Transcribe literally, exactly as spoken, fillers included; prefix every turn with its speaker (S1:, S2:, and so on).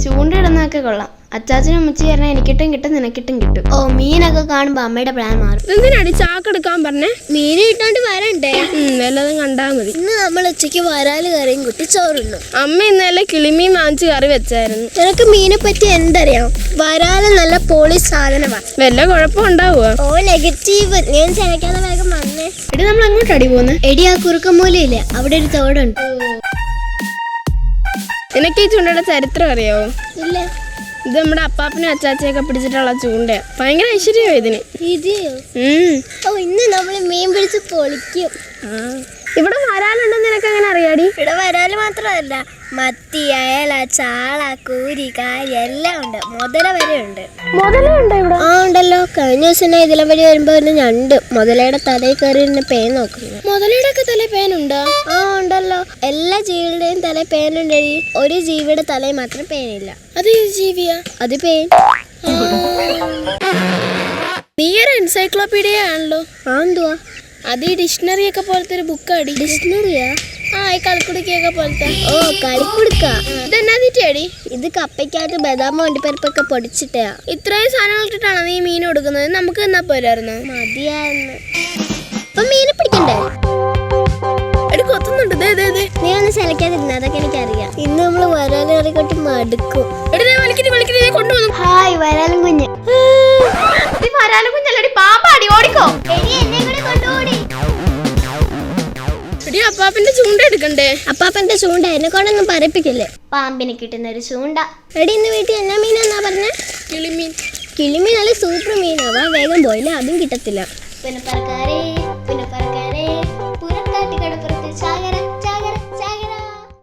S1: ചൂണ്ടിടുന്നതൊക്കെ കൊള്ളാം. അച്ചാച്ചനും അമ്മച്ചി പറഞ്ഞാൽ എനിക്കിട്ടും കിട്ടും നിനക്കിട്ടും കിട്ടും. ഓ മീനൊക്കെ കാണുമ്പോ അമ്മയുടെ പ്ലാൻ മാറും.
S2: എന്തിനാടി ചാക്കെടുക്കാൻ പറഞ്ഞേ?
S1: മീൻ കിട്ടാണ്ട് വരണ്ടേ?
S2: വല്ലതും കണ്ടാ മതി.
S1: ഇന്ന് നമ്മൾ ഉച്ചയ്ക്ക് വരാല് കറിയും കുട്ടി ചോറുണ്ണു.
S2: അമ്മ ഇന്നലെ കിളിമീൻ വാങ്ങിച്ച് കറി വെച്ചായിരുന്നു.
S1: നിനക്ക് മീനെ പറ്റി എന്തറിയാം? വരാല് നല്ല പോളി സാധനമാണ്.
S2: വല്ല കുഴപ്പം ഉണ്ടാവുക?
S1: Oh negative. ഞാൻ ചനക്കാതെ വേഗം വന്നേ. എടി നമ്മൾ അങ്ങോട്ട് അടി പോകുന്നത്. എടി ആ കുറുക്കമൂലയില്ലേ, അവിടെ ഒരു തോടുണ്ട്.
S2: നിനക്ക് ഈ ചൂണ്ടയുടെ ചരിത്രം അറിയാവോ?
S1: ഇല്ല.
S2: ഇത് നമ്മുടെ അപ്പാപ്പനും അച്ചാച്ചയൊക്കെ പിടിച്ചിട്ടുള്ള ചൂണ്ടയാ. ഭയങ്കര ഐശ്വര്യമോ ഇതിന്.
S1: ഇതെയോ? ഓ ഇന്ന് നമ്മൾ മീൻ പിടിച്ച് പൊളിക്കും.
S2: ഇവിടെ വരാലുണ്ടെന്ന് നിനക്ക് എങ്ങനെ അറിയാടി?
S1: ഇവിടെ വരാല് മാത്രമല്ല, മത്തി, അയല, ചാള, കൂരി, കാരി എല്ലാം ഉണ്ട്. മുതല വരെ ഉണ്ട്.
S2: മുതലുണ്ട് ഇവിടെ?
S1: ആ ഉണ്ടല്ലോ. കഴിഞ്ഞ ദിവസം ഇതിലെ വഴി വരുമ്പോ ഒരു ഞണ്ട് മുതലയുടെ തലയിൽ കയറി പേൻ നോക്കുന്നു.
S2: മുതലയുടെ ഒക്കെ തലയിൽ പേനുണ്ടോ?
S1: ആ ഉണ്ടല്ലോ. എല്ലാ ജീവികളുടെയും തലയിൽ പേനുണ്ട്. ഒരു ജീവിയുടെ തലയിൽ മാത്രം പേനില്ല.
S2: അത് ജീവിയാ?
S1: അത് പേൻ.
S2: നീ ഒരു എൻസൈക്ലോപീഡിയ ആണല്ലോ.
S1: ആ എന്തുവാ?
S2: അത് ഈ ഡിക്ഷണറി ഒക്കെ പോലത്തെ ഒരു ബുക്കാടി.
S1: ഡിക്ഷണറിയാ?
S2: ആ ഈ കളിക്കുടുക്കൊക്കെ പോലത്തെ.
S1: ഓ കളിക്കുടുക്ക.
S2: ഇതെന്നാ തീറ്റയാടി?
S1: ഇത് കപ്പയ്ക്കകത്ത് ബദാം വണ്ടിപ്പരിപ്പൊക്കെ പൊടിച്ചിട്ടാ.
S2: ഇത്രയും സാധനങ്ങൾ ഇട്ടിട്ടാണ് നീ മീൻ കൊടുക്കുന്നത്? നമുക്ക് എന്നാ പോരായിരുന്നു?
S1: മതിയായിരുന്നു. അപ്പൊ മീനെ പിടിക്കണ്ടേ?
S2: എടി കൊത്തുന്നുണ്ട്.
S1: നീ ഒന്ന് ചലക്കാതിരുന്ന, അതൊക്കെ എനിക്കറിയാം. ഇന്ന് നമ്മള് വരാലും കറിക്കൊട്ട് മടുക്കും.
S2: കൊണ്ടുവന്നു.
S1: ഹായ് വരാലും കുഞ്ഞ്.
S2: വരാലും കുഞ്ഞല്ലടി, പാമ്പാടി. ഓടിക്കോ. അപ്പാപ്പന്റെ ചൂണ്ട എടുക്കണ്ടേ?
S1: അപ്പാപ്പന്റെ ചൂണ്ട എന്നെ കൊണ്ടൊന്നും പറയിപ്പിക്കില്ലേ. പാമ്പിന് കിട്ടുന്ന ഒരു ചൂണ്ട. എടി ഇന്ന് വീട്ടിൽ എന്നാ മീനെന്നാ പറഞ്ഞ?
S2: കിളിമീൻ.
S1: കിളിമീൻ നല്ല സൂപ്പർ മീനാവാ. വേഗം പോയില്ല, അതും കിട്ടത്തില്ല. പിന്നെ പറക്കാരേ പിന്നെ പറക്കാരേ പുറക്കാട്ടി കടപ്പുറത്ത് ചായ